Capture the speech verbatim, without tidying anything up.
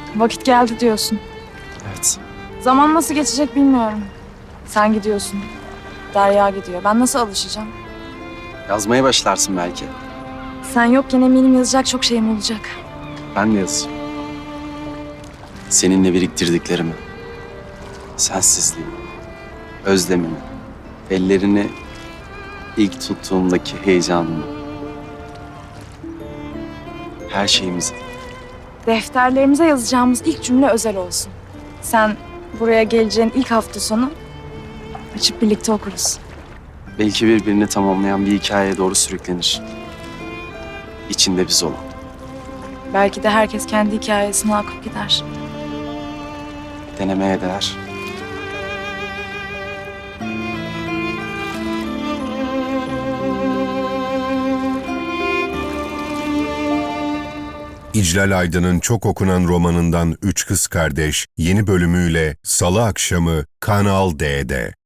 Vakit geldi diyorsun. Evet. Zaman nasıl geçecek bilmiyorum. Sen gidiyorsun. Derya gidiyor. Ben nasıl alışacağım? Yazmaya başlarsın belki. Sen yokken eminim yazacak çok şeyim olacak. Ben de yazacağım. Seninle biriktirdiklerimi. Sensizliği. Özlemimi. Ellerini ilk tuttuğumdaki heyecanımı. Her şeyimizi. Defterlerimize yazacağımız ilk cümle özel olsun. Sen buraya geleceğin ilk hafta sonu açıp birlikte okuruz. Belki birbirini tamamlayan bir hikayeye doğru sürüklenir. İçinde biz olan. Belki de herkes kendi hikayesini akıp gider. Denemeye değer. İclal Aydın'ın çok okunan romanından Üç Kız Kardeş yeni bölümüyle Salı akşamı Kanal D'de.